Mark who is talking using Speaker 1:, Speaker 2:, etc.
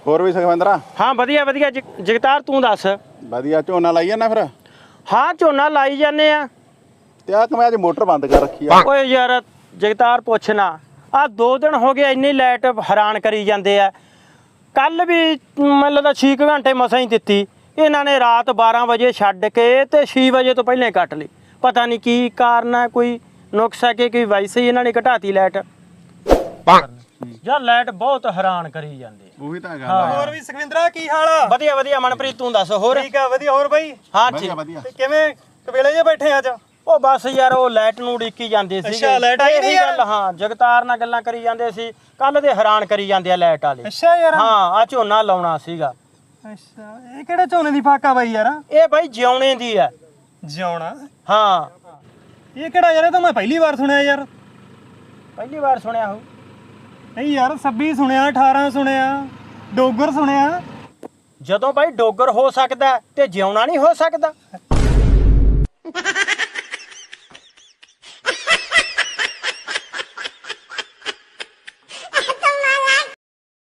Speaker 1: ਹੋਰ ਵੀ ਸੁਖਵਿੰਦਰਾ?
Speaker 2: ਹਾਂ ਵਧੀਆ ਵਧੀਆ ਜਗਤਾਰ ਤੂੰ ਦੱਸ।
Speaker 1: ਵਧੀਆ। ਝੋਨਾ ਲਾਈ ਜਾਂਦਾ ਫਿਰ?
Speaker 2: ਹਾਂ ਝੋਨਾ ਲਾਈ ਜਾਂਦੇ ਆ।
Speaker 1: ਤੇ ਆ ਕਿ ਮੈਂ ਅੱਜ ਮੋਟਰ ਬੰਦ ਕਰ ਰੱਖੀ ਆ।
Speaker 2: ਓਏ ਯਾਰ ਜਗਤਾਰ ਪੁੱਛਣਾ, ਆ 2 ਦਿਨ ਹੋ ਗਏ ਇੰਨੀ ਲਾਈਟ ਹੈਰਾਨ ਕਰੀ ਜਾਂਦੇ ਆ। ਕੱਲ ਵੀ ਮਤਲਬ 6 ਘੰਟੇ ਮਸਾਂ ਹੀ ਦਿੱਤੀ ਇਹਨਾਂ ਨੇ। ਰਾਤ 12 ਵਜੇ ਛੱਡ ਕੇ ਤੇ 6 ਵਜੇ ਤੋਂ ਪਹਿਲਾਂ ਕੱਟ ਲਈ। ਪਤਾ ਨਹੀਂ ਕੀ ਕਾਰਨ ਹੈ, ਕੋਈ ਨੁਕਸ ਹੈ ਕਿ ਵੈਸੇ ਹੀ ਇਹਨਾਂ ਨੇ ਘਟਾਤੀ ਲਾਈਟ। ਯਾਰ ਲਾਈਟ ਬਹੁਤ ਹੈਰਾਨ ਕਰੀ ਜਾਂਦੇ।
Speaker 1: ਉਹੀ ਤਾਂ ਗੱਲ ਆ।
Speaker 3: ਹੋਰ ਵੀ ਸੁਖਵਿੰਦਰਾ ਕੀ ਹਾਲ ਆ?
Speaker 2: ਵਧੀਆ ਵਧੀਆ ਮਨਪ੍ਰੀਤ ਤੂੰ ਦੱਸ। ਹੋਰ
Speaker 3: ਠੀਕ ਆ ਵਧੀਆ। ਹੋਰ ਬਾਈ
Speaker 2: ਹਾਂ
Speaker 1: ਵਧੀਆ
Speaker 2: ਠੀਕ।
Speaker 1: ਵਧੀਆ।
Speaker 3: ਤੇ ਕਿਵੇਂ ਕਵੇਲੇ ਜੇ ਬੈਠੇ ਅੱਜ?
Speaker 2: ਉਹ ਬਸ ਯਾਰ ਉਹ ਲਾਈਟ ਨੂੰ ਉਡੀਕੀ ਜਾਂਦੇ ਸੀ।
Speaker 3: ਅੱਛਾ, ਲਾਈਟ ਆਈ ਨੀ ਯਾਰ?
Speaker 2: ਹਾਂ ਜਗਤਾਰ ਨਾਲ ਗੱਲਾਂ ਕਰੀ ਜਾਂਦੇ ਸੀ ਕੱਲ ਦੇ। ਹੈਰਾਨ ਕਰੀ ਜਾਂਦੇ ਆ ਲਾਈਟ ਵਾਲੇ।
Speaker 3: ਅੱਛਾ ਯਾਰ।
Speaker 2: ਹਾਂ ਆ ਝੋਨਾ ਲਾਉਣਾ ਸੀਗਾ।
Speaker 3: ਅੱਛਾ ਇਹ ਕਿਹੜੇ ਝੋਨੇ ਦੀ ਫਾਕਾ ਬਾਈ ਯਾਰ?
Speaker 2: ਇਹ ਬਾਈ ਜਿਉਣੇ ਦੀ ਹੈ।
Speaker 3: ਜਿਉਣਾ?
Speaker 2: ਹਾਂ
Speaker 3: ਇਹ ਕਿਹੜਾ ਯਾਰ? ਇਹ ਤਾਂ ਮੈਂ ਪਹਿਲੀ ਵਾਰ ਸੁਣਿਆ ਯਾਰ।
Speaker 2: ਪਹਿਲੀ ਵਾਰ ਸੁਣਿਆ ਹੋ।
Speaker 3: ਨਹੀਂ ਯਾਰ 26 ਸੁਣਿਆ, 18 ਸੁਣਿਆ, ਡੋਗਰ ਸੁਣਿਆ।
Speaker 2: ਜਦੋਂ ਬਾਈ ਡੋਗਰ ਹੋ ਸਕਦਾ ਤੇ ਜਿਉਣਾ ਨਹੀਂ ਹੋ ਸਕਦਾ।